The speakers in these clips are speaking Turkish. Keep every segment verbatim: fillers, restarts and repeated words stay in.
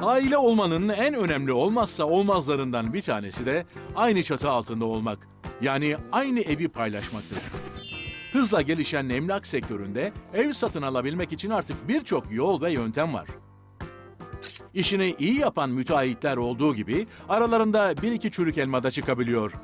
Aile olmanın en önemli olmazsa olmazlarından bir tanesi de aynı çatı altında olmak. Yani aynı evi paylaşmaktır. Hızla gelişen emlak sektöründe ev satın alabilmek için artık birçok yol ve yöntem var. İşini iyi yapan müteahhitler olduğu gibi aralarında bir iki çürük elma da çıkabiliyor.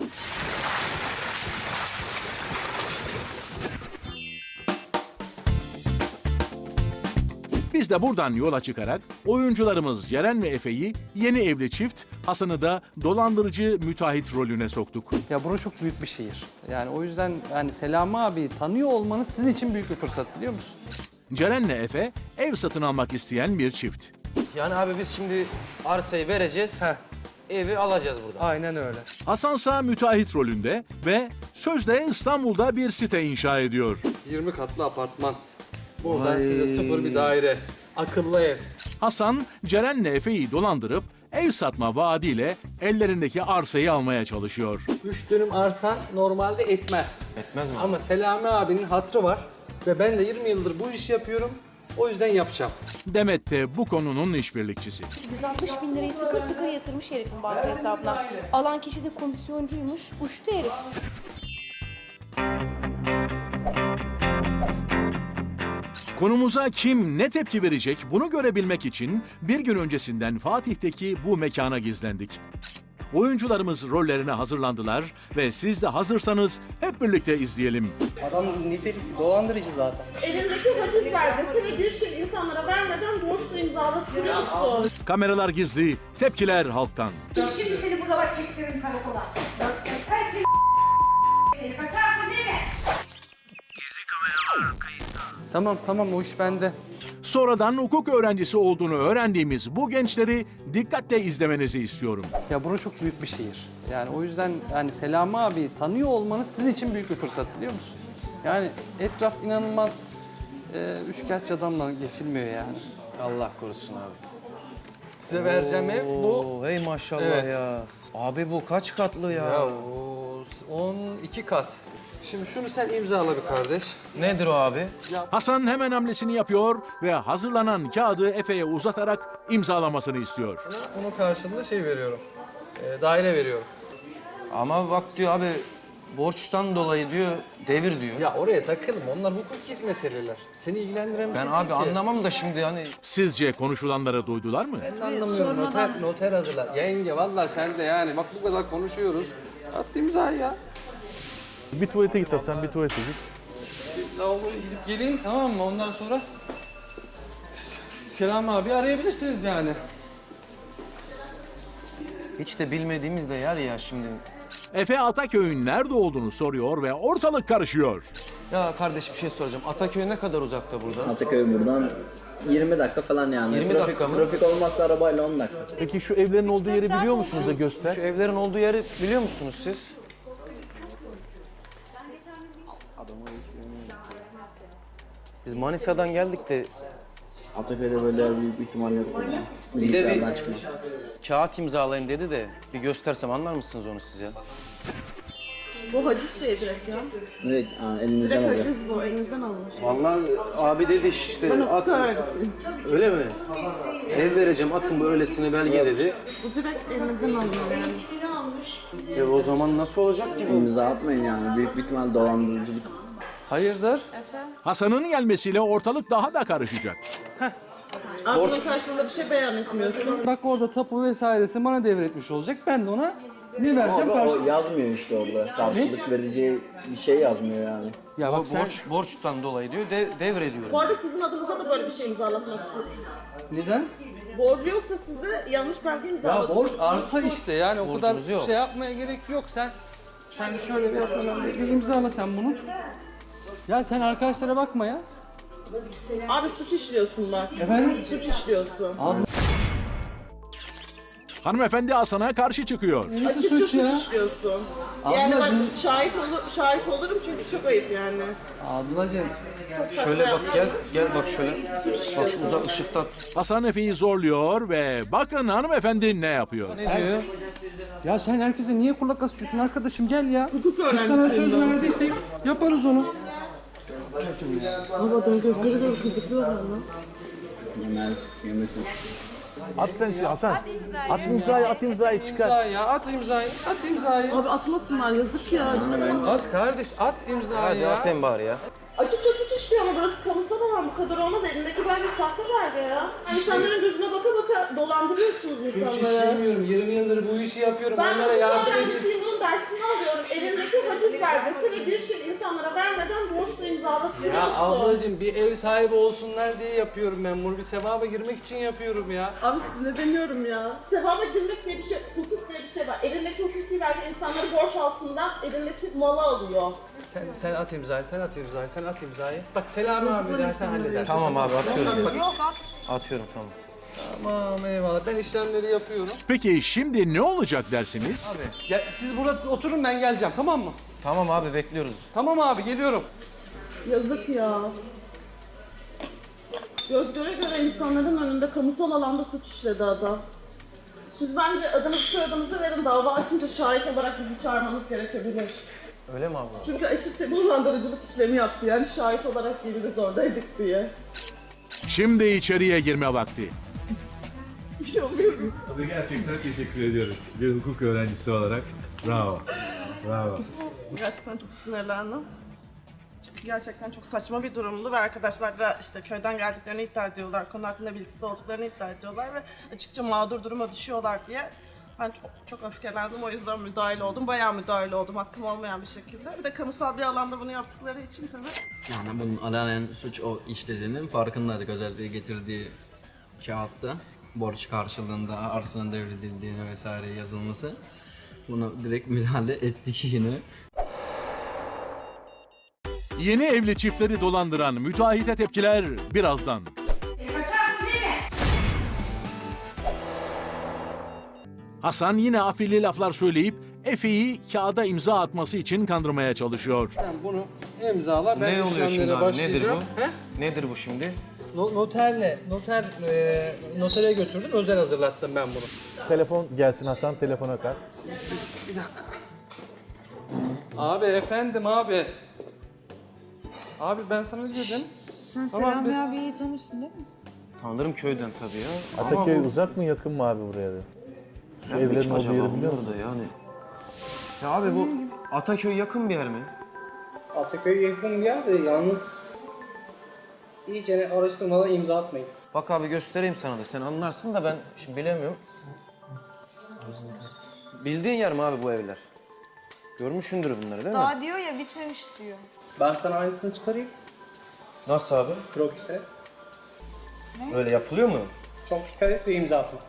Biz de buradan yola çıkarak oyuncularımız Ceren ve Efe'yi yeni evli çift, Hasan'ı da dolandırıcı müteahhit rolüne soktuk. Ya burası çok büyük bir şehir. Yani o yüzden yani Selami abi tanıyor olmanız sizin için büyük bir fırsat, biliyor musun? Ceren'le Efe ev satın almak isteyen bir çift. Yani abi biz şimdi arsayı vereceğiz, Heh. evi alacağız buradan. Aynen öyle. Hasansa müteahhit rolünde ve sözde İstanbul'da bir site inşa ediyor. yirmi katlı apartman. Buradan Vay. size sıfır bir daire. Akıllı ev. Hasan, Ceren'le Efe'yi dolandırıp ev satma vaadiyle ellerindeki arsayı almaya çalışıyor. Üç dönüm arsan normalde etmez. Etmez mi? Ama Selami abinin hatrı var. Ve ben de yirmi yıldır bu işi yapıyorum. O yüzden yapacağım. Demet de bu konunun işbirlikçisi. yüz altmış bin lirayı tıkır tıkır yatırmış herifin banka hesabına. Alan kişi de komisyoncuymuş, uçtu herif. Konumuza kim ne tepki verecek bunu görebilmek için bir gün öncesinden Fatih'teki bu mekana gizlendik. Oyuncularımız rollerine hazırlandılar ve siz de hazırsanız hep birlikte izleyelim. Adam nitelik dolandırıcı zaten. Elindeki haciz belgesini bir şey insanlara vermeden borçla imzalatıyorsun. Kameralar gizli, tepkiler halktan. Şimdi seni burada bak çektiririm karakola. Ben seni seni kaçarsın değil mi? Tamam tamam, o iş bende. Sonradan hukuk öğrencisi olduğunu öğrendiğimiz bu gençleri dikkatle izlemenizi istiyorum. Ya burası çok büyük bir şehir. Yani o yüzden yani Selami abi tanıyor olmanız sizin için büyük bir fırsat, biliyor musun? Yani etraf inanılmaz e, üçkağıtçı adamla geçilmiyor yani. Allah korusun abi. Size vereceğim ev bu. Oo, hey maşallah Evet. ya. Abi bu kaç katlı ya? Ya o on iki kat. Şimdi şunu sen imzala bir kardeş. Nedir o abi? Hasan hemen hamlesini yapıyor ve hazırlanan kağıdı Efe'ye uzatarak imzalamasını istiyor. Bunun karşılığında şey veriyorum. E, daire veriyorum. Ama bak diyor abi borçtan dolayı diyor devir diyor. Ya oraya takılma. Onlar hukuki meseleler. Seni ilgilendiren bir Ben şey abi değil ki. anlamam da şimdi hani Sizce konuşulanları duydular mı? Ben de anlamıyorum. Noter, noter hazırla. Yenge vallahi sen de yani. Bak bu kadar konuşuyoruz. At imzayı ya. Bir tuvalete git Hasan, bir tuvalete git. Lavaboya gidip gelin, tamam mı? Ondan sonra Selam abi arayabilirsiniz yani. hiç de bilmediğimiz de yer ya şimdi. Efe Ataköy'ün nerede olduğunu soruyor ve ortalık karışıyor. Ya kardeş bir şey soracağım. Ataköy ne kadar uzakta buradan? Ataköy buradan yirmi dakika falan yani. yirmi trafik, dakika mı? Trafik olmazsa arabayla on dakika. Peki şu evlerin olduğu yeri biliyor musunuz da göster. Şu evlerin olduğu yeri biliyor musunuz siz? Biz Manisa'dan geldik de Ataköy'de böyle büyük bir ihtimal yok. bir de Bilgisayardan bir çıkma. kağıt imzalayın dedi de bir göstersem anlar mısınız onu siz ya? Bu haciz şey direkt ya. Direkt ha, elinizden Direkt alıyor. haciz bu, elinizden alınmış. Vallahi abi dedi işte Ben at. hukuk öğrencisiyim. Öyle mi? Ev vereceğim atın bu öylesine belge dedi. Bu direkt elinizden alınıyor yani. E o zaman nasıl olacak ki bu? İmza atmayın yani. Büyük bir ihtimal dolandırıcılık. Hayırdır? Hasan'ın gelmesiyle ortalık daha da karışacak. Abi bunun karşılığında bir şey beyan etmiyorsun. Bak orada tapu vesairesi bana devretmiş olacak. Ben de ona ne vereceğim Abi karşı? o yazmıyor işte orada. Karşılık vereceği bir şey yazmıyor yani. Ya O bak sen borç, borçtan dolayı diyor dev, devrediyorum. Bu arada sizin adınıza da böyle bir şey imzalatmak suç. neden? Borcu yoksa size yanlış belge Ya imzalatmak. borç arsa işte yani o kadar Borcumuz yok. şey yapmaya gerek yok. Sen sen şöyle bir yapma, bir, bir imzala sen bunu. Ya sen arkadaşlara bakma ya. Abi suç işliyorsun bak. Efendim? Suç işliyorsun. Hanımefendi Hasan'a karşı çıkıyor. Nasıl Açıkça suç suç ya? işliyorsun. Abla, Yani bak biz- şahit olur, şahit olurum çünkü çok ayıp yani. Ablacığım. Şöyle bak gel gel bak şöyle. Bak şu uzak ışıkta Hasan Efe'yi zorluyor ve bakın hanımefendi ne yapıyor. ne diyor? Ya sen herkese niye kulak asıyorsun arkadaşım, gel ya. Hukuk Biz sana öğrencisiyim söz ben. verdiysek yaparız onu. Ama adamın gözleri böyle kızıklıyor bana. Yemez, yemesin. At sen şey Hasan. At imzayı, at imzayı çıkar. İmzayı ya, at imzayı, at imzayı. Abi atmasınlar yazık ya. At kardeş, at imzayı Hadi ya. atayım bari ya. Açıkça suç işliyor ama burası kamusal alan, bu kadar olmaz. Elindeki belge sahte belge ya. İnsanların gözüne baka baka dolandırıyorsunuz Suç insanları. işlemiyorum, yirmi yıldır bu işi yapıyorum. Ben Onlara hukuk yardım ediyorum. öğrencisiyim, bunun dersini alıyorum. Elindeki haciz belgesi ve bir şey insanlara vermeden borçla imzalatıyorsun. Ya ablacığım bir ev sahibi olsunlar diye yapıyorum ben bunu. Bir sevaba girmek için yapıyorum ya. Abi size demiyorum ya. Sevaba girmek diye bir şey, hukuk diye bir şey var. Elindeki hukuki belge insanları borç altından elindeki malı alıyor. Sen, sen at imzayı, sen at imzayı, sen at imzayı. Bak Selami abi der, sen halledersin. Tamam abi atıyorum. Yok at. Atıyorum tamam. Tamam eyvallah, ben işlemleri yapıyorum. Peki şimdi ne olacak dersiniz? Abi ya, siz burada oturun, ben geleceğim, tamam mı? Tamam abi bekliyoruz. Tamam abi, geliyorum. Yazık ya. Göz göre göre insanların önünde kamusal alanda suç işledi adam. Siz bence adınızı soyadınızı verin, dava açınca şahit olarak bizi çağırmanız gerekebilir. Öyle mi abla? Çünkü açıkça dolandırıcılık işlemi yaptı, yani şahit olarak geliriz oradaydık diye. Şimdi içeriye girme vakti. Size gerçekten teşekkür ediyoruz. Bir hukuk öğrencisi olarak. Bravo. Bravo. Gerçekten çok sinirlendim. Çünkü gerçekten çok saçma bir durumdu ve arkadaşlar da işte köyden geldiklerini iddia ediyorlar, konu hakkında bilgisi olduklarını iddia ediyorlar ve açıkça mağdur duruma düşüyorlar diye ben çok, çok öfkelendim, o yüzden müdahale oldum. Bayağı müdahale oldum, hakkım olmayan bir şekilde. Bir de kamusal bir alanda bunu yaptıkları için tabii. Yani bunun alanen suç o işlediğinin farkındaydık. Özellikle getirdiği kağıtta borç karşılığında arsanın devredildiğine vesaire yazılması. Buna direkt müdahale ettik yine. Yeni evli çiftleri dolandıran müteahhite tepkiler birazdan. Kaçarsın değil mi? Hasan yine afilli laflar söyleyip Efe'yi kağıda imza atması için kandırmaya çalışıyor. Sen bunu imzala, ben Ne oluyor şimdi işlemlere abi? Nedir başlayacağım. bu? He? Nedir bu şimdi? No- noterle, noter, e, notere götürdüm, özel hazırlattım ben bunu. Telefon gelsin Hasan, telefona kal. Bir dakika. Abi efendim abi. Abi ben sana ne dedim? Sen Tamam, Selami bir- abiyi tanırsın değil mi? Tanırım köyden tabii ya. Ataköy Ama bu- uzak mı yakın mı abi buraya da? Şu Tabii ki evlerin olduğu acaba yeri biliyor bunlar musun? da yani. Ya abi bu Ataköy yakın bir yer mi? Ataköy yakın bir yer de yalnız iyice araştırmadan imza atmayın. Bak abi göstereyim sana da sen anlarsın da ben şimdi bilemiyorum. Bildiğin yer mi abi bu evler? Görmüşsündür bunları değil mi? Daha diyor ya bitmemiş diyor. Ben sana aynısını çıkarayım. Nasıl abi? Krokis'e. Öyle yapılıyor mu? Çok dikkat et ve imza atma.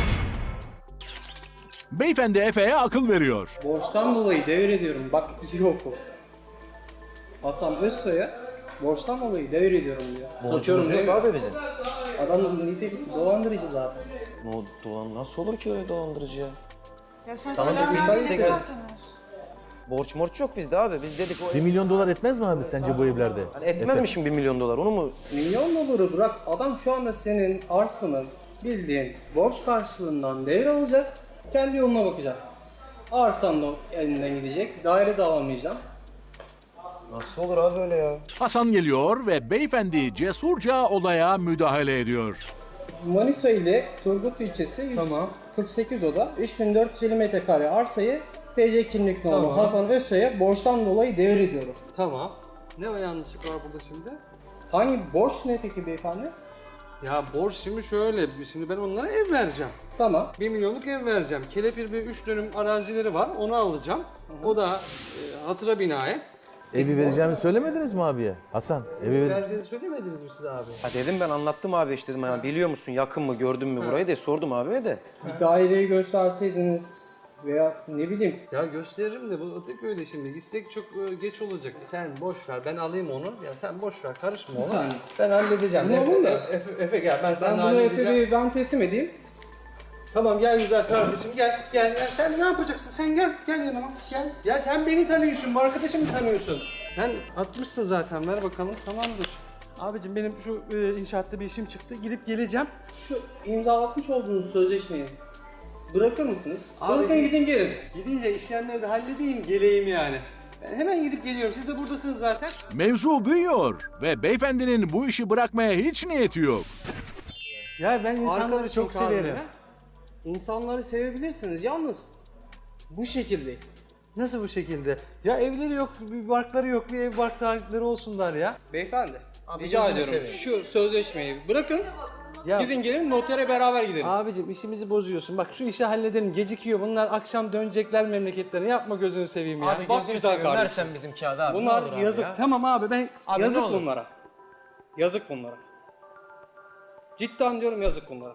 Beyefendi Efe'ye akıl veriyor. Borçtan dolayı devrediyorum. Bak iyi oku. Hasan Özsoy'a borçtan dolayı devrediyorum diyor. Satıyorum Borcumuz yok demiyor. abi bizim. Adam nitelikli dolandırıcı zaten. No, dolan, nasıl olur ki öyle dolandırıcı ya? Ya sen Tamam, Selami bir abiyi tane ne de kadar gel. tanıyorsun? Borç morç yok bizde abi. Biz dedik o Bir milyon dolar etmez mi abi sence bu evlerde? Hani etmez mi şimdi bir milyon dolar onu mu? Milyon doları bırak. Adam şu anda senin arsanın bildiğin borç karşılığından devralacak. Kendi yoluna bakacak. Arsan da elinden gidecek. Daire de alamayacağım. Nasıl olur abi öyle ya? Hasan geliyor ve beyefendi cesurca olaya müdahale ediyor. Manisa ile Turgut ilçesi yüz kırk sekiz oda üç bin dört yüz elli metrekare arsayı T C kimlik numara Tamam. Hasan Özsoy'a borçtan dolayı devrediyorum. Tamam. Ne o yanlışlık var burada şimdi? Hangi borç ne peki beyefendi? Ya borç şimdi şöyle, şimdi ben onlara ev vereceğim. Tamam. Bir milyonluk ev vereceğim. Kelepir bir üç dönüm arazileri var, onu alacağım. O da e, hatıra binae. Evi vereceğimi söylemediniz mi abiye? Hasan, evi ver. Vereceğini söylemediniz mi siz abi? Ha dedim ben anlattım abi işte dedim yani biliyor musun yakın mı gördün mü burayı diye sordum abiye de. Bir daireyi gösterseydiniz veya ne bileyim. Ya gösteririm de bu Ataköy'de şimdi gitsek çok e, geç olacak. Sen boş ver, ben alayım onu. Ya sen boş ver, karışma ona. saniye. Ben halledeceğim. Ne Efe, oldu da? Efe, Efe gel, ben Ben sana bunu halledeceğim. Efe'yi ben teslim edeyim. Tamam gel güzel kardeşim gel gel gel. Sen ne yapacaksın? Sen gel gel yanıma gel. Ya sen beni tanıyorsun, bu arkadaşımı tanıyorsun. Sen atmışsın zaten, ver bakalım, tamamdır. Abicim benim şu e, inşaatta bir işim çıktı, gidip geleceğim. Şu imzalatmış olduğunuz sözleşmeyi bırakır mısınız? Abi- Bırakın gidin gelin. Gidince işlemleri de halledeyim, geleyim yani. Ben hemen gidip geliyorum, siz de buradasınız zaten. Mevzu büyüyor ve beyefendinin bu işi bırakmaya hiç niyeti yok. Ya ben insanları Arkadaşım çok severim. kavramı. İnsanları sevebilirsiniz. Yalnız bu şekilde. Nasıl bu şekilde? Ya evleri yok, bir barkları yok, bir ev barkları olsunlar ya. Beyefendi, Abi rica gözünü ediyorum seveyim. şu sözleşmeyi bırakın. Ya Gidin gelin notere beraber gidelim. abicim işimizi bozuyorsun. Bak şu işi halledelim. Gecikiyor. Bunlar akşam dönecekler memleketlerine. Yapma gözünü seveyim ya. Abi Bak gözünü güzel seveyim kardeşim. versen bizim kağıdı abi. ne Bunlar olur abi yazık. ya. Tamam abi ben Abi Yazık ne olur. bunlara. Yazık bunlara. Cidden diyorum yazık bunlara.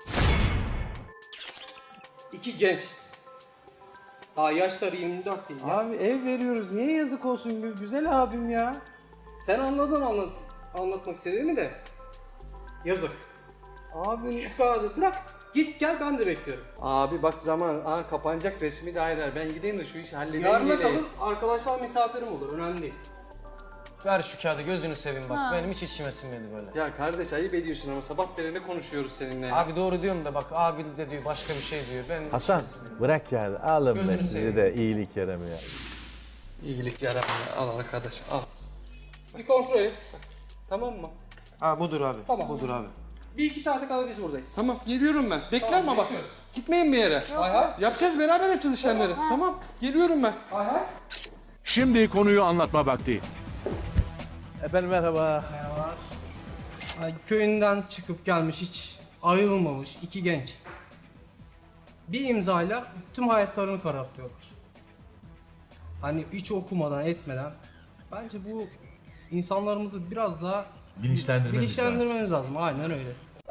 İki genç. Daha yaşları yirmi dört değil ya. Abi ev veriyoruz. Niye yazık olsun gü- güzel abim ya? Sen anladın anlat anlatmak istediğimi de. Yazık. Abi Şu kağıdı bırak. Git gel ben de bekliyorum. abi bak zaman aa, kapanacak resmi daireler. Ben gideyim de şu işi halledeyim. Yarına geleyim. kalır arkadaşlar misafirim olur. Önemli değil. Ver şu kağıdı gözünü seveyim bak. Benim hiç içime sinmedi böyle. Ya kardeş ayıp ediyorsun ama sabah beri ne konuşuyoruz seninle ya? Abi doğru diyorum da bak abi de diyor başka bir şey diyor. Ben Hasan bırak yani. Alın be Gözünü sizi seveyim. de iyilik yaramıyor. İyilik yaramıyor. Al arkadaş al. Bir kontrol et. Tamam mı? Ha budur abi. Tamam. Budur abi. Bir iki saate kadar biz buradayız. Tamam geliyorum ben. Bekle Tamam, ama bak. bekliyoruz. Gitmeyin bir yere. Hay hay. Yapacağız beraber yapacağız işlemleri. Tamam geliyorum ben. Hay hay. Şimdi konuyu anlatma vakti. Efendim merhaba. Ay, köyünden çıkıp gelmiş hiç ayrılmamış iki genç. Bir imzayla tüm hayatlarını karartıyorlar. Hani hiç okumadan etmeden. Bence bu insanlarımızı biraz daha Bilinçlendirmemiz bilinçlendirmemiz lazım. Aynen öyle.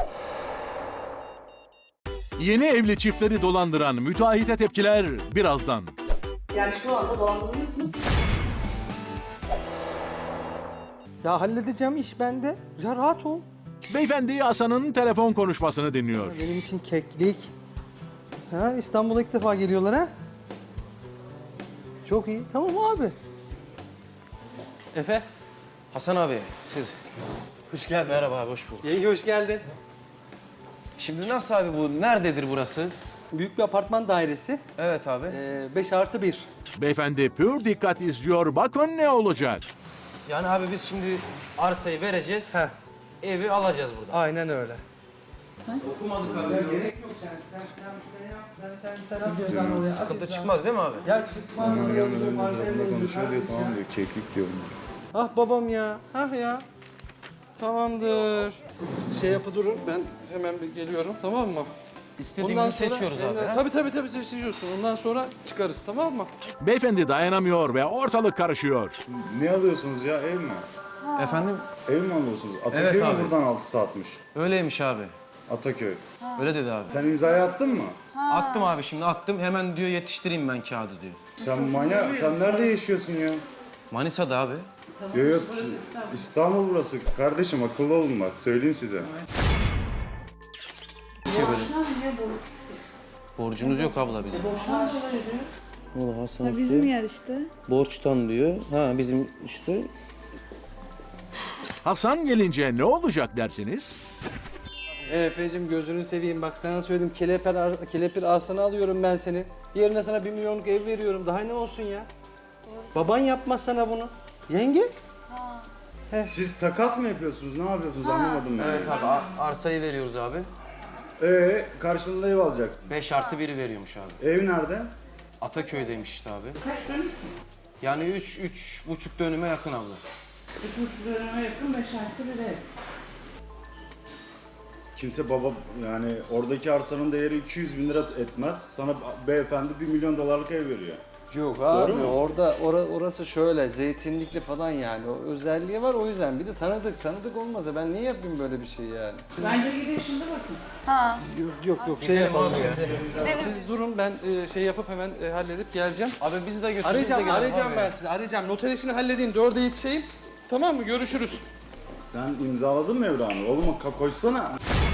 Yeni evli çiftleri dolandıran müteahhite tepkiler birazdan. Yani şu anda dolandırılıyorsunuz. Ya halledeceğim iş bende. Ya rahat ol. Beyefendi Hasan'ın telefon konuşmasını dinliyor. Benim için keklik. Ha İstanbul'a ilk defa geliyorlar ha. Çok iyi. Tamam abi. Efe. Hasan abi siz. Hoş geldin. Merhaba abi hoş bulduk. İyi hoş geldin. Şimdi nasıl abi bu? Nerededir burası? Büyük bir apartman dairesi. Evet abi. beş artı bir. Beyefendi pür dikkat izliyor. Bakın ne olacak. Yani abi biz şimdi arsayı vereceğiz. Heh. Evi alacağız buradan. Aynen öyle. Okumadık abi. Gerek yok sen sen sen sen yap sen sen sen at oraya. Sıkıntı çıkmaz değil mi abi? Ya çıkmaz oraya yazıyor malzemeyle konuşuyor diyor tamam diyor keklik diyor. Ah babam ya. Ah ya. Tamamdır. Şey yapı durun ben hemen bir geliyorum tamam mı? İstediğimizi seçiyoruz abi. Ondan- ha? Tabii tabii tabii seçiyorsun. Ondan sonra çıkarız tamam mı? Beyefendi dayanamıyor ve ortalık karışıyor. Ne alıyorsunuz ya ev mi? Efendim Ev mi alıyorsunuz? Ataköy Evet mi abi. buradan altı saatmiş? öyleymiş abi. Ataköy. Öyle dedi abi. Sen imzayı attın mı? Attım abi şimdi attım. Hemen diyor yetiştireyim ben kağıdı diyor. Sen manyak, sen nerede yaşıyorsun ya? Manisa'da abi. Yok yok, İstanbul burası. Kardeşim akıllı olun bak, söyleyeyim size. Borcunuz yok abla bizim. Valla Hasan Bizim yer işte. borçtan diyor. Ha bizim işte. Hasan gelince ne olacak dersiniz? Efe'cim gözünü seveyim bak sana söyledim kelepir, ar- kelepir arsanı alıyorum ben seni. Yerine sana bir milyonluk ev veriyorum daha ne olsun ya? Baban yapmaz sana bunu. Yenge? Siz takas mı yapıyorsunuz, ne yapıyorsunuz anlamadım ben. Evet abi a- arsayı veriyoruz abi. Ee, karşılığında ev alacaksın. beş artı biri veriyormuş abi. Ev nerede? Ataköy'deymiş işte abi. Kaç dönüm? Yani üç, üç buçuk dönüme yakın abla. üç buçuk döneme yakın beş artı bir ev. Kimse baba, yani oradaki arsanın değeri iki yüz bin lira etmez. Sana beyefendi bir milyon dolarlık ev veriyor. Yok abi mu? orada ora- orası şöyle zeytinlikli falan yani o özelliği var o yüzden bir de tanıdık tanıdık olmazsa ben niye yapayım böyle bir şey yani? Bence gidin şimdi bakın. Yok yok yok şey yapalım Siz durun ben e, şey yapıp hemen e, halledip geleceğim. Abi bizi de götür. Arayacağım arayacağım ben sizi arayacağım noter işini halledeyim dörde yetişeyim. Tamam mı görüşürüz. Sen imzaladın mı evranı? Oğlum ka- koşsana.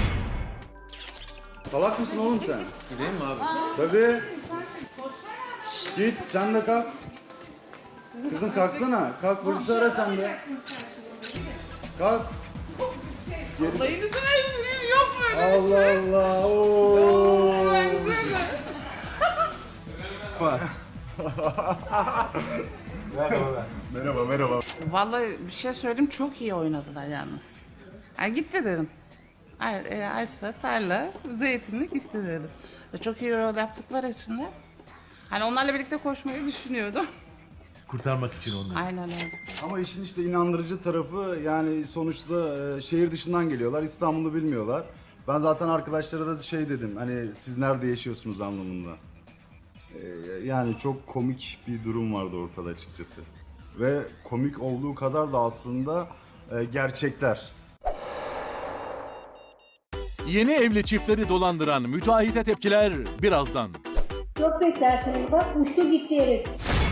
Salak mısın oğlum sen? Gideyim mi abi? Tabii. Git sen de kalk. Kızım kalksana. Kalk polisi ara sen de. Kalk. Olayınızı versin yok böyle. Allah Allah. Oo. Merhaba merhaba. Vallahi bir şey söyleyeyim çok iyi oynadılar yalnız. Ha gitti dedim. Er, e, arsa, tarla, zeytinlik gitti dedim. Ve çok iyi rol yaptıkları için de hani onlarla birlikte koşmayı düşünüyordum. Kurtarmak için onları. Aynen öyle. Ama işin işte inandırıcı tarafı yani sonuçta e, şehir dışından geliyorlar. İstanbul'u bilmiyorlar. Ben zaten arkadaşlara da şey dedim hani siz nerede yaşıyorsunuz anlamında. E, yani çok komik bir durum vardı ortada açıkçası. Ve komik olduğu kadar da aslında e, gerçekler. Yeni evli çiftleri dolandıran müteahhite tepkiler birazdan. Çok beklersiniz bak uçtu gitti herif.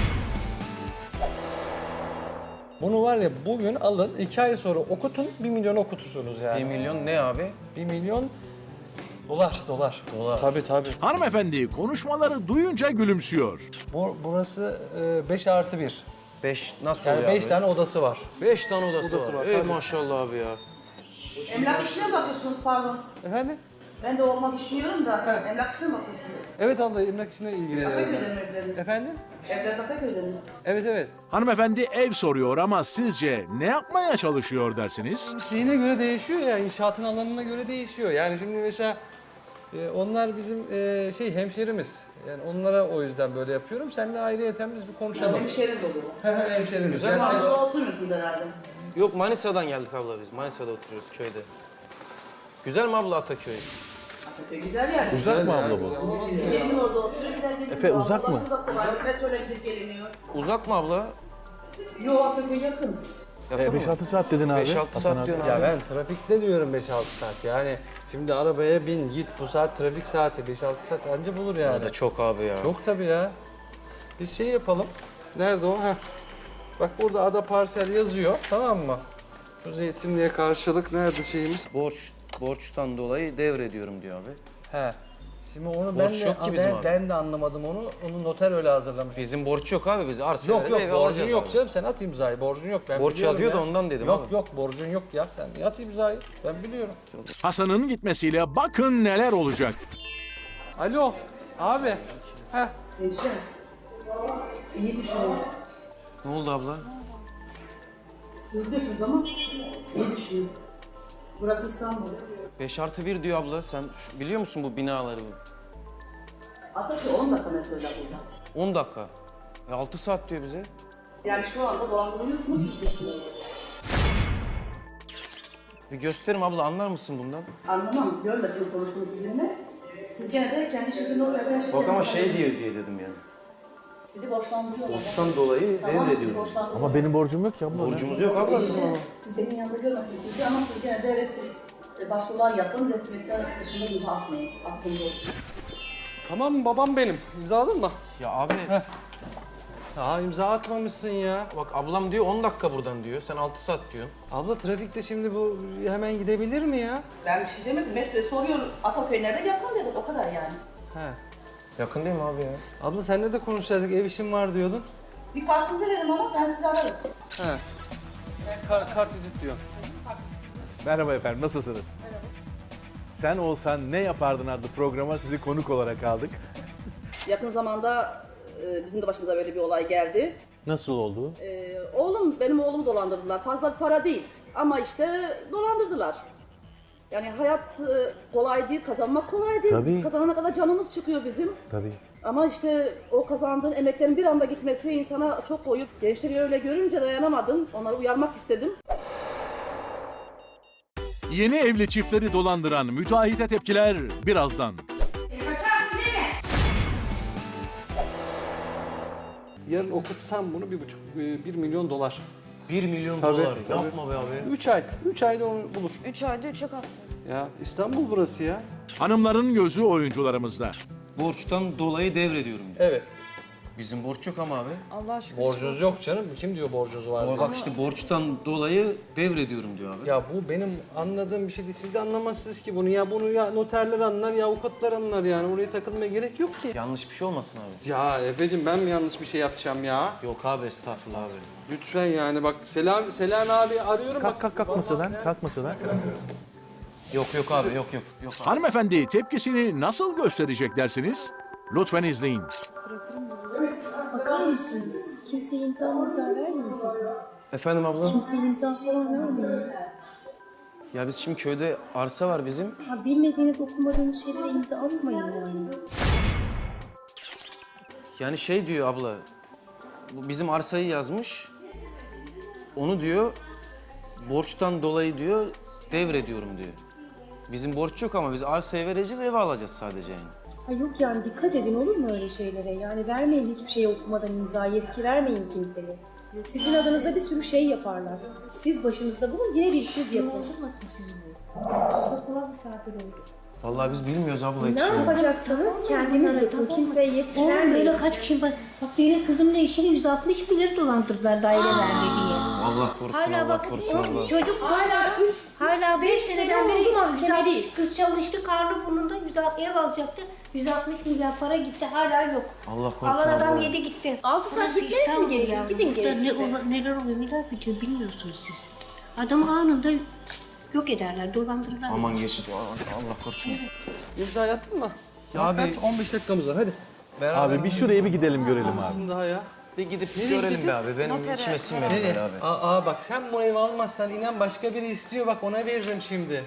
Bunu var ya bugün alın, iki ay sonra okutun, bir milyon okutursunuz yani. Bir milyon ne abi? Bir milyon dolar, dolar. Dolar. Tabii tabii. Hanımefendi konuşmaları duyunca gülümsüyor. Bu, burası beş artı bir. Beş nasıl Yani oluyor beş abi? tane odası var. Beş tane odası, Odası var. var, Ey tabii. maşallah abi ya. Emlak işine mi bakıyorsunuz pardon? Efendim? Ben de olmak düşünüyorum da emlak işine mi bakıyorsunuz? Evet abla, emlak işine ilgileniyorum. Ataköy'de mi evleriniz? Efendim? Evler Ataköy'de mi? Evet evet. Hanımefendi ev soruyor ama sizce ne yapmaya çalışıyor dersiniz? Şeyine göre değişiyor ya, inşaatın alanına göre değişiyor. Yani şimdi mesela e, onlar bizim e, şey hemşerimiz. Yani onlara o yüzden böyle yapıyorum. Seninle ayrıyeten biz bir konuşalım. Hemşehriniz oluyor. Hemşerimiz. Güzel. Yani sen- Anadolu'da oturmuyorsunuz herhalde. Yok Manisa'dan geldik abla biz. Manisa'da oturuyoruz köyde. Güzel mi abla Ataköy? Ataköy güzel yer. Uzak mı ya, abla bu? güzel. Olmaz mı ya? Gelin orada oturuyor gider gelin. Efe, uzak mı? Ulaşım da kolay. Metroyla gidip geliniyor. Uzak mı abla? Yo Ataköy yakın. Yakın mı? beş altı saat dedin abi. beş altı Hasan saat abi. diyorsun Ya abi. ben trafikte diyorum beş altı saat. Yani şimdi arabaya bin git, bu saat trafik saati, beş altı saat anca bulur O yani. da çok abi ya. Çok tabii ya. Biz şey yapalım. Nerede o? Heh. Bak burada ada parsel yazıyor, tamam mı? Şu zeytinliğe karşılık nerede şeyimiz? Borç, borçtan dolayı devrediyorum diyor abi. He. Şimdi onu Borç ben de yok ki bizim ben, abi. ben de anlamadım onu. Onu noter öyle hazırlamış. Bizim borç yok abi biz arsa Yok verip yok ev borcun alacağız yok abi. canım, sen at imzayı, borcun yok. Ben Borç biliyorum yazıyor da ya. ondan dedim Yok abi. yok borcun yok ya, sen at imzayı, ben biliyorum. Hasan'ın gitmesiyle bakın neler olacak. Alo abi. Heh. Gençler. İyi düşünün. Ne oldu abla? Siz bilirsiniz ama iyi düşünün. Burası İstanbul. beş artı bir diyor abla. Sen şu- biliyor musun bu binaları? Ataköy on dakika metroyla buradan. on dakika. E altı saat diyor bize. Yani şu anda dolandırılıyorsunuz siz bilirsiniz. Bir gösterim abla anlar mısın bundan? Anlamam. Görmesin konuştuğumu sizinle. Siz gene de kendi işinizin ortaya her şeyi Bak ama yapın. şey diye diye dedim yani. Sizi borçlandırıyorlar. Borçtan dolayı Tamam, sizi devrediyorum. borçlandırıyorlar. Ama benim borcum yok ki abla. Borcumuz yok abla bizim ama. Siz benim yanında görmesin sizi ama siz gene de resmi e, başvurular yapın. Resmiyetler dışında imza atmayın. Aklınız olsun. Tamam babam benim. İmzaladın mı? Ya abi Ya imza atmamışsın ya. bak ablam diyor on dakika buradan diyor. Sen altı saat diyorsun. Abla trafikte şimdi bu hemen gidebilir mi ya? Ben bir şey demedim. Metroya soruyorum. Ataköy nerede? Yakın dedim. O kadar yani. He. Yakın değil mi abi ya? Abla seninle de konuşsaydık, ev işim var diyordun. Bir kartınızı verin ama ben sizi ararım. He. Kar, kart vizit diyor. Merhaba efendim, nasılsınız? Merhaba. Sen olsan ne yapardın adlı programa sizi konuk olarak aldık. Yakın zamanda e, bizim de başımıza böyle bir olay geldi. Nasıl oldu? E, oğlum, benim oğlumu dolandırdılar. Fazla bir para değil ama işte dolandırdılar. Yani hayat e, kolay değil, kazanmak kolay değil. Tabii. Biz kazanana kadar canımız çıkıyor bizim. Tabii. Ama işte o kazandığın emeklerin bir anda gitmesi insana çok koyup gençleri öyle görünce dayanamadım. Onları uyarmak istedim. Yeni evli çiftleri dolandıran müteahhite tepkiler birazdan. Kaçarsın değil mi? Yarın okutsam bunu bir buçuk, e, bir milyon dolar. bir milyon Tabii, dolar. tabii. Yapma be abi. Üç ay, üç ayda onu bulur. üç ayda üçe katlıyor. Ya İstanbul burası ya. Hanımların gözü oyuncularımızda. Borçtan dolayı devrediyorum diyor. Evet. Bizim borç yok ama abi. Allah aşkına. Borcunuz yok canım. Kim diyor borcunuz var diye. Bak işte borçtan dolayı devrediyorum diyor abi. Ya bu benim anladığım bir şey değil. Siz de anlamazsınız ki bunu ya. Bunu ya noterler anlar ya avukatlar anlar yani. Oraya takılmaya gerek yok ki. Yanlış bir şey olmasın abi. Ya Efe'cim ben mi yanlış bir şey yapacağım ya? Yok abi estağfurullah abi. Lütfen yani bak Selam Selam abi arıyorum. Kalk bak. kalk kalk masadan, kalk masadan. Yok yok abi yok yok. Yok abi. Hanımefendi tepkisini nasıl gösterecek dersiniz? Lütfen izleyin. Bakar mısınız? Kimseye imza imza vermeyin sakın. Efendim abla? Kimseye imza falan vermeyin. Ya biz şimdi köyde arsa var bizim. Ya bilmediğiniz, okumadığınız şeylere imza atmayın yani. Yani şey diyor abla, bu bizim arsayı yazmış. Onu diyor, borçtan dolayı diyor, devrediyorum diyor. Bizim borç yok ama biz arsayı vereceğiz, eve alacağız sadece yani. Ha yok yani dikkat edin olur mu öyle şeylere? Yani vermeyin hiçbir şeyi okumadan imza, yetki vermeyin kimseye. Sizin adınıza bir sürü şey yaparlar. Siz başınızda bulun, yine bir siz yapın. Olmasın sizin bu? Okula misafir olduk. Vallahi biz bilmiyoruz abla hiç. Ne yapacaksanız kendiniz yapın, kimseye yetki Oğlum vermeyin. böyle kaç kişi bak. Bak benim kızımla işini yüz altmış bin lira dolandırdılar daire verdi diye. Allah korusun, Hala Allah bak korusun Allah. çocuk Hala üç, hala beş seneden beri mahkemeliyiz. kız çalıştı karnı burnunda yüz altmış ev alacaktı. yüz altmış milyar para gitti hala yok. Allah korusun Alan adam Allah. yedi gitti. Altı saat Burası bekleriz mi İstanbul geri? yavrum. Gidin Burada ne gerekirse. ola- neler oluyor neler bitiyor bilmiyorsunuz siz. Adamı anında yok ederler dolandırırlar. Aman geçin, Allah korusun. İmza attın mı? Ya Ya abi- kaç? on beş dakikamız var hadi. Beraber Abi bir şuraya bir gidelim görelim abi. Sizin daha ya. bir gidip Nereye görelim be gideceğiz? abi. Benim içime sinmedi Nereye? böyle abi. Aa, aa bak sen bu evi almazsan inan başka biri istiyor bak ona veririm şimdi.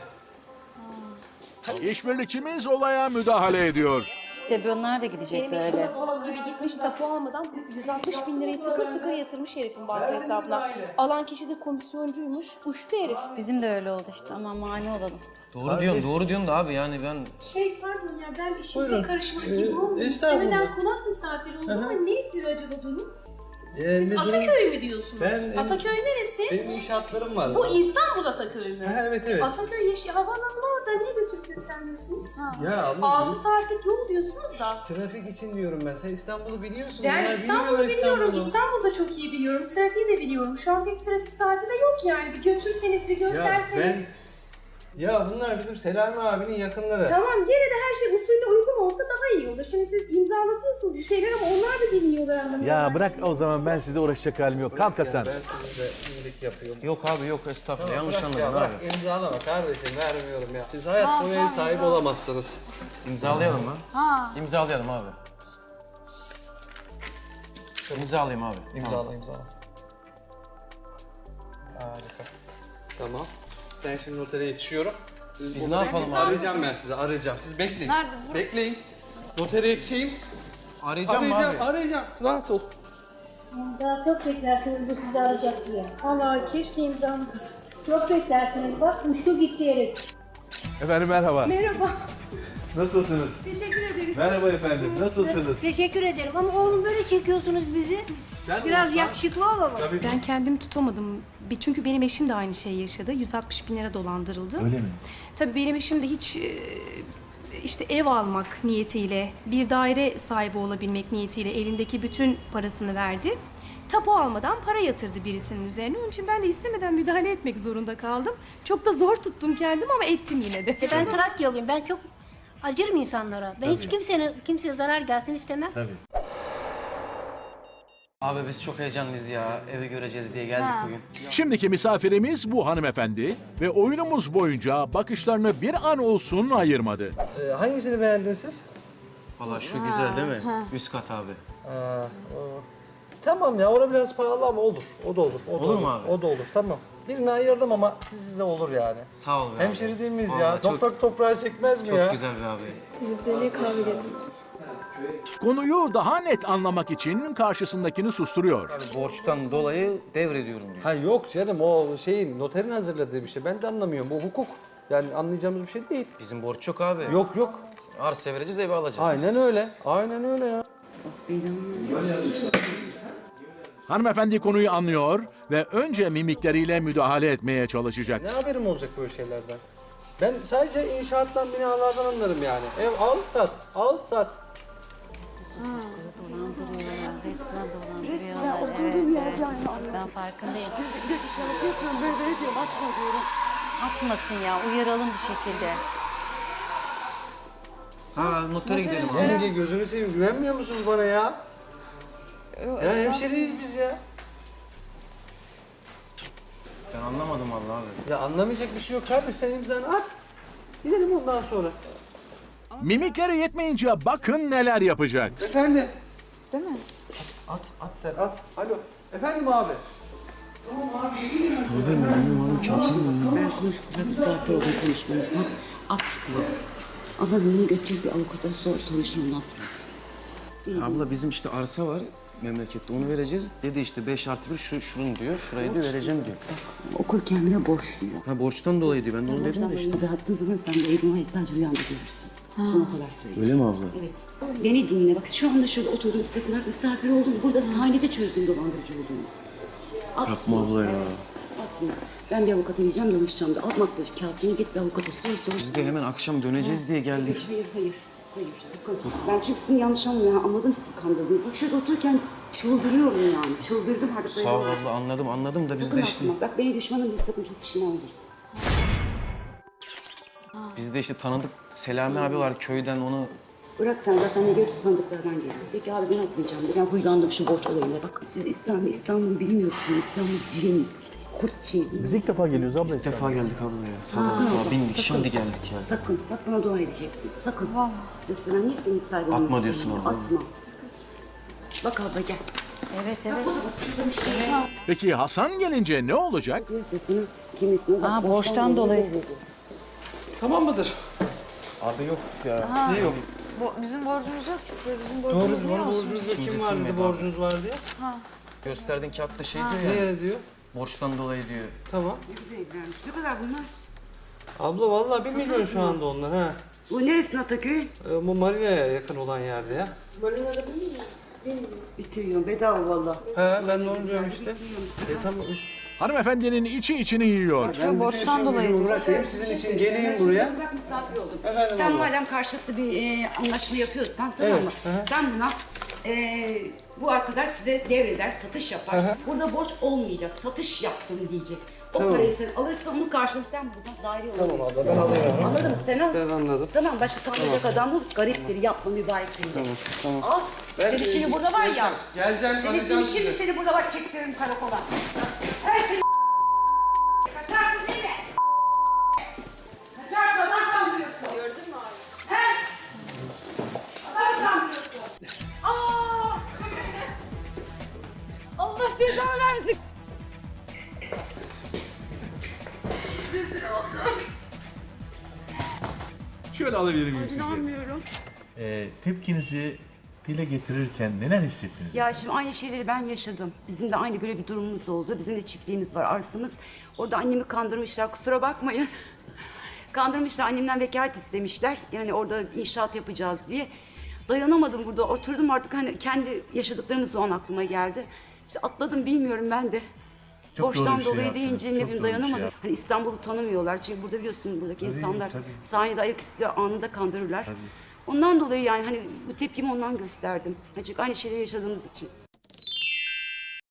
İşbirlikçimiz olaya müdahale ediyor. İşte bunlar da gidecek Benim eşim de böyle. salak gibi gitmiş tapu almadan yüz altmış bin lirayı tıkır tıkır yatırmış herifin banka hesabına. Alan kişi de komisyoncuymuş, uçtu herif. Bizim de öyle oldu işte ama mani olalım. Doğru diyorsun, doğru diyorsun da abi yani ben... Şey pardon ya ben işinize Buyurun. karışmak Ee, gibi olmuyor. estağfurullah. İstemeden konak misafiri oldum ama nedir acaba durum? Ee, Siz ne durum? Ataköy mü diyorsunuz? Ben- Ataköy neresi? Benim inşaatlarım var. Bu İstanbul Ataköy mü? Ha, evet evet. Ataköy yaşı havaalanı orada niye götürüp göstermiyorsunuz? Ya abla altı bir- saatlik yol diyorsunuz da. trafik için diyorum ben. Sen İstanbul'u biliyorsun. Ben Bunlar İstanbul'u bilmiyorlar biliyorum. İstanbul'u. İstanbul'da çok iyi biliyorum. Trafiği de biliyorum. Şu an pek trafik saati de yok yani. Bir götürseniz, bir Ya gösterseniz. ben... Ya bunlar bizim Selami abinin yakınları. Tamam yine de her şey usulüne uygun olsa daha iyi olur. Şimdi siz imzalatıyorsunuz bir şeyler ama onlar da bilmiyorlar anlamında. Ya bırak o zaman ben sizle uğraşacak halim yok. Kalk Hasan. Ben size iyilik yapıyorum. Yok abi yok estağfurullah yanlış Bırak anladın ya, abi. bırak imzalama kardeşim vermiyorum ya. Siz hayat boyu ev sahibi olamazsınız. İmzalayalım mı? Ha. İmzalayalım abi. İmzalayayım abi. İmzala imzala. Harika. Tamam. Ben şimdi notere yetişiyorum. Siz Biz bu- ne yapalım abi? Arayacağım ben sizi arayacağım. Siz bekleyin. Nerede? Bur- Bekleyin. Notere yetişeyim. Arayacağım mı arayacağım, abi? arayacağım. Rahat ol. Daha çok beklersiniz bu sizi arayacak diye. Vallahi keşke imzamı kısıttık. Çok beklersiniz bak uçtu gitti herif. Efendim merhaba. Merhaba. Nasılsınız? Teşekkür ederiz. Merhaba efendim. Nasılsınız? Teşekkür ederim ama oğlum böyle çekiyorsunuz bizi. Sen Biraz olsan- yakışıklı olalım. Ben kendimi tutamadım. Bir- Çünkü benim eşim de aynı şeyi yaşadı. yüz altmış bin lira dolandırıldı. Öyle mi? Tabii benim eşim de hiç e, işte ev almak niyetiyle, bir daire sahibi olabilmek niyetiyle elindeki bütün parasını verdi. Tapu almadan para yatırdı birisinin üzerine. Onun için ben de istemeden müdahale etmek zorunda kaldım. Çok da zor tuttum kendimi ama ettim yine de. E ben Trakyalıyım. Ben çok acırım insanlara. Ben hiç kimsenin kimseye zarar gelsin istemem. Tabii. Abi biz çok heyecanlıyız ya. Evi göreceğiz diye geldik bugün. Şimdiki misafirimiz bu hanımefendi ve oyunumuz boyunca bakışlarını bir an olsun ayırmadı. Ee, hangisini beğendin siz? Valla şu güzel değil mi? Üst kat abi. Aa, o- Tamam ya, orada biraz pahalı ama olur. O da olur. O da Olur mu abi? O da olur, tamam. Birini ayırdım ama size olur yani. Sağ ol be abi. Hemşeri değil miyiz ya? Vallahi çok- Toprak toprağa çekmez mi Çok ya? güzel be abi. Konuyu daha net anlamak için karşısındakini susturuyor. Yani borçtan dolayı devrediyorum diyor. Ha yok canım, o şeyin noterin hazırladığı bir şey. Ben de anlamıyorum. Bu hukuk. Yani anlayacağımız bir şey değil. Bizim borç yok abi. Yok yok. Arsa vereceğiz, evi alacağız. Aynen öyle. Aynen öyle ya. Hanımefendi konuyu anlıyor ve önce mimikleriyle müdahale etmeye çalışacak. Ne haberim olacak böyle şeylerden? Ben sadece inşaattan, binalardan anlarım yani. Ev al sat, al sat. Dolandırıyorlar, resmen dolandırıyorlar. Evet, evet. Ben farkındayım. İşaret yapıyorum böyle böyle diyorum atma diyorum. Atmasın ya, uyaralım bir şekilde. Ha notere gidelim abi. Yenge gözünü seveyim, güvenmiyor musunuz bana ya? Ya hemşeriyiz biz ya. Ben anlamadım vallahi abi. Ya anlamayacak bir şey yok kardeş, sen imzanı at. Gidelim ondan sonra. Mimikleri yetmeyince bakın neler yapacak. Efendim? Değil mi? At, at sen at. Alo. Efendim abi? Ben konuşmadan misafir oldum konuşmamızdan. At diyor. Adamını götür bir avukata sor soruşturma affet. Abla bizim işte arsa var memlekette, onu vereceğiz. Dedi işte beş artı bir şu şunun diyor, şurayı da vereceğim diyor. Okul kendine borçluyor. Ha borçtan dolayı diyor, ben de onu dedim de işte. İmza attığın zaman sen de evin var sadece rüyanda görürsün. Sana o kadar söyleyeyim. Öyle mi abla? Evet. Beni dinle bak şu anda şurada oturdum size kulak misafir oldum. Burada sahnede çözdüm dolandırıcı olduğunu. Atma. Yapma abla ya. Atma. Ben bir avukata gideceğim danışacağım da atmakla kağıtını git bir avukata sor sor. Biz de hemen akşam döneceğiz diye geldik. Hayır hayır. Hayır sakın. Ben çünkü sizin yanlış anlamayın. Anladım sizi kandırdığınızı. Bak şurada otururken çıldırıyorum yani. Çıldırdım artık. Sağ ol abla, anladım anladım da biz Sakın de işte... atma. Bak benim düşmanım değil sakın çok pişman olursun. Biz de işte tanıdık Selami abi var köyden, onu... Bırak sen zaten ne görüyorsun tanıdıklardan geliyor. De ki abi ben atmayacağım de. Ben huylandım şu borç olayına. Bak siz İstanbul, İstanbul'u bilmiyorsunuz. İstanbul cin, kurt cin. Biz ilk defa geliyoruz abla. İlk defa geldik abla ya. Sabah bindik, şimdi geldik ya. Sakın. Bak bana dua edeceksin. Sakın. Vallahi. Yoksa ben niye senin sahibi olmak Atma diyorsun istemiyorum? abla. Atma. Bak abla gel. Evet evet. Peki Hasan gelince ne olacak? Bunu kimlikle bak. Aa, borçtan dolayı. Tamam mıdır? Abi yok ya. Ne yok? Bu, bizim borcumuz yok ki size. Bizim Doğru, borcumuz niye bana olsun? borcunuz yok. İçimize Kim var dedi sinmedi borcunuz var diye. Gösterdiğin kağıtta şey diyor ya, Ne diyor? borçtan dolayı diyor. Tamam. Ne güzel evlenmiş. Ne kadar bunlar? Abla vallahi bir milyon şu anda onlar ha. Bu neresi Ataköy? Ee, bu marinaya yakın olan yerde ya. Marina'da bu mu? Bitiriyorum bedava valla. He ben de onu diyorum işte. E tamam. Hanımefendinin içi içini yiyor. Yok, borçtan dolayı diyor. Bırakayım sizin için geleyim buraya. Bak misafir oldum. Efendim Sen abla. madem karşılıklı bir e, anlaşma yapıyorsan tamam mı? Evet, aha. Sen buna e, bu arkadaş size devreder, satış yapar. Aha. Burada borç olmayacak, satış yaptım diyecek. O Tamam. parayı sen alırsan onun karşılığında sen buradan daire alabilirsin. Tamam abla ben alayım. Anladın mı? Sen al. Ben anladım. Tamam başka kalmayacak adam bul. Gariptir, yapma mübarektir. Tamam, tamam. Al. Ben- Senin şimdi burada var ya. Geleceğim, Senin arayacağım şimdi sizi. seni burada var çektiririm karakola. Her seni kaçarsın değil mi? Kaçarsın adam kandırıyorsun. Gördün mü abi? He? Adam kandırıyorsun. Aa! Allah cezanı versin. Şöyle alabilir miyim sizi? İnanmıyorum. Ee, tepkinizi dile getirirken neler hissettiniz? Ya şimdi aynı şeyleri ben yaşadım. Bizim de aynı böyle bir durumumuz oldu. Bizim de çiftliğimiz var, arsamız. Orada annemi kandırmışlar, kusura bakmayın. Kandırmışlar, annemden vekalet istemişler. Yani orada inşaat yapacağız diye. Dayanamadım burada, oturdum artık hani kendi yaşadıklarımız o an aklıma geldi. İşte atladım bilmiyorum ben de. Çok Borçtan doğru bir şey dolayı yaptınız, deyince çok ne doğru bileyim bir şey dayanamadım. yaptınız. Hani İstanbul'u tanımıyorlar çünkü burada biliyorsun buradaki Tabii, insanlar tabii. sahnede ayaküstü anında kandırırlar. Ondan dolayı yani hani bu tepkimi ondan gösterdim. Ha, çünkü aynı şeyleri yaşadığımız için.